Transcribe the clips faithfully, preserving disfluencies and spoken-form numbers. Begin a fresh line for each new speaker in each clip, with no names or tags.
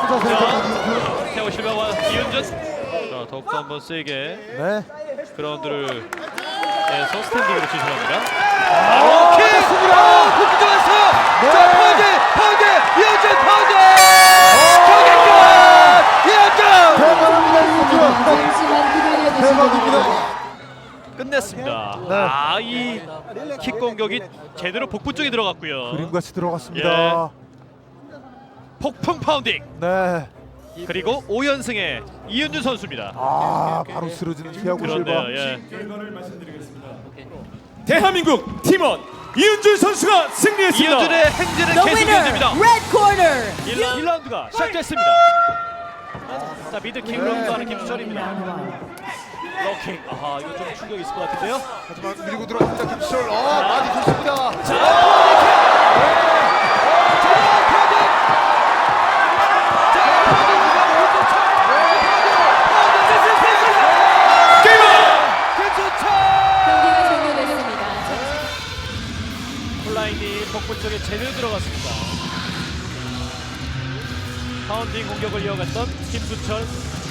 자세히
태호 실바와 이윤준. 자, 더욱더 한번 세게
네.
그라운드를 해서 스탠딩으로 지시합니다.
아,
킥!
좋습니다.
훅 들어갔어요.
네.
자, 파운드! 파운드! 이윤준 파운드! 경기 끝! 이윤준!
대박입니다, 이윤준. 대박입니다.
끝냈습니다.
네.
아, 이 킥 공격이 제대로 복부 쪽에 들어갔고요.
그림같이 들어갔습니다.
폭풍 파운딩.
네.
그리고 오 연승의 이윤준 선수입니다.
아, 바로 쓰러지는 티아고 실바.
그런데요. 예.
결과를 말씀드리겠습니다. 대한민국 팀원 이윤준 선수가 승리했습니다.
이윤준의 행진은
The
계속
winner,
이어집니다.
red corner.
일 라운드가 시작됐습니다. 자, 미드 킥으로 하는 김수철입니다. 럭킹. 아하, 이거 좀 충격 있을 것 같은데요.
하지만 밀고 들어갑니다, 김수철. 어, 많이 좋습니다.
자,
경기가 종료됐습니다.
콜라인이 복부 쪽에 제대로 들어갔습니다. 파운딩 공격을 이어갔던 김수철.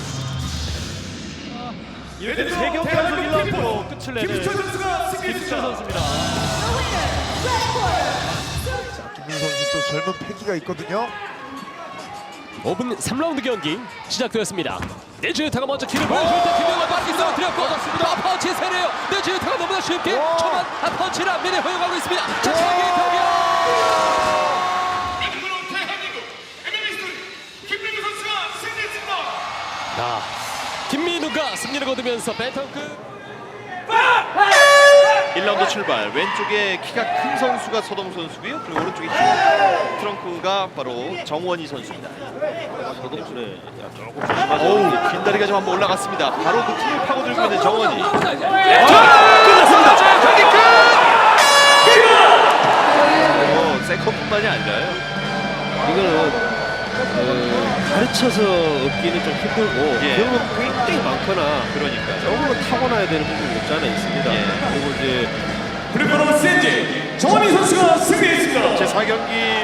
이렇게 세 경기 연속 일 라운드로 끝을 내는
김수철 선수가
김수철
승리했습니다.
선수입니다.
김민 선수 또 젊은 패기가 있거든요.
오 분 삼 라운드 경기 시작되었습니다. 네즈유타가 먼저 길을 보여줄 때 김명환 바퀴 떨어뜨렸고 아, 펀치 세네요. 네즈유타가 너무나 쉽게 초반 한 펀치를 앞면에 허용하고 있습니다. 자, 세계 경기.
대한민국 엠엠에이스트 김민우 선수가 승리했습니다.
자, 김민우가 승리를 거두면서 배턴급
일 라운드 출발. 왼쪽에 키가 큰 선수가 서동 선수고요. 그리고 오른쪽에 흰 트렁크가 바로 정원희 선수입니다. 서동수네 조금 조심하죠. 어우, 긴 다리가 좀 한번 올라갔습니다. 바로 그 틈을 파고들고 있는 정원희. 아, 끝났습니다. 경기 끝! 어, 세컨뿐만이 아니라요.
이거는 어, 가르쳐서 얻기는 좀 힘들고
예.
경험 굉장히 많거나
그러니까.
조금은 타고나야 되는 부분이 없지 않아 있습니다.
예.
그리고 이제
블루코너 센제 정원희 선수가 승리했습니다.
제사 경기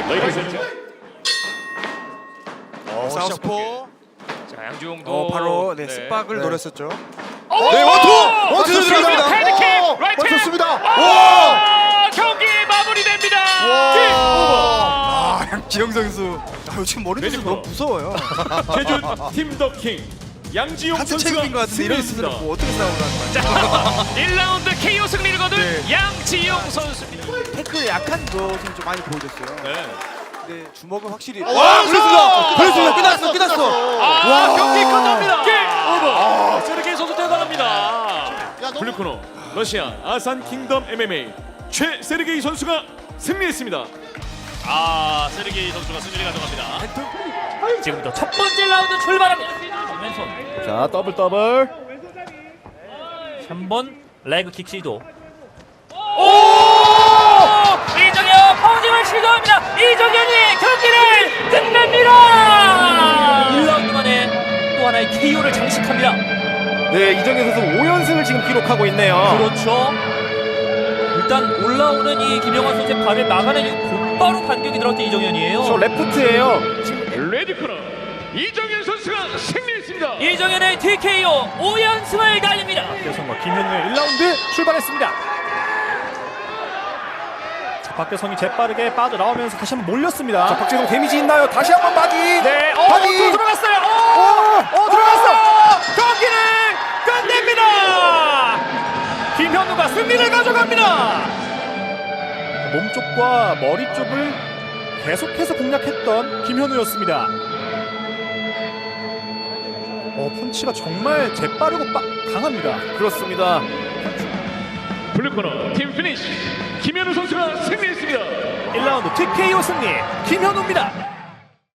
어, 사우스포.
자, 양주용도
어, 바로 네, 스박을 노렸었죠.
네, 원투! 원투 들어갑니다.
헤드킥!
어,
라이트!
맞췄습니다.
와! 경기 마무리됩니다.
아, 양지영 선수. 아, 지금 머리 선수 너무 무서워요.
제주 팀 더 킹 양지용
같은
선수가
체급인 것 같은데 이런
승리했습니다.
선수는 뭐 어떻게 싸우나.
자, 일 라운드 케이오 승리를 거둔
네.
양지용 선수입니다.
태클 약한 것은 좀 많이 보여줬어요.
네.
근데 주먹은 확실히.
와, 그렇습니다.
그렇습니다. 끝났어, 끝났어.
아, 경기 끝납니다. 게임 오버. 세르게이 선수 대단합니다.
블루코너 러시아 아산 킹덤 엠엠에이 최세르게이 선수가 승리했습니다.
아, 세르게이 선수가 승리를 가져갑니다.
지금부터 첫 번째 라운드 출발합니다. 왼손
자 더블 더블
삼 번 레그 킥 시도. 오! 이정현 파운딩을 시도합니다. 이정현이 경기를 끝냅니다. 일 라운드 만에 또 하나의 케이오를 장식합니다.
네 이정현 선수 오 연승을 지금 기록하고 있네요.
그렇죠. 일단 올라오는 이 김영환 선수의 발을 막아낸 이후 곧바로 반격이 들어왔던 이정현이에요.
저 레프트예요.
레드코너 이정현 선수가 승리했습니다.
이정현의 티케이오 오 연승을 달립니다.
박교성과 김현우의 일 라운드 출발했습니다. 자, 박교성이 재빠르게 빠져나오면서 다시 한번 몰렸습니다. 자, 박재성 데미지 있나요? 다시 한번 바디. 네, 어, 바디. 어, 들어갔어요. 어, 어, 들어갔어. 경기를 끝냅니다. 김현우가 승리를 가져갑니다. 몸 쪽과 머리 쪽을 계속해서 공략했던 김현우였습니다. 어, 펀치가 정말 재빠르고 빠, 강합니다. 그렇습니다.
블루코너 팀 피니쉬 김현우 선수가 승리했습니다.
일 라운드 티케이오 승리 김현우입니다.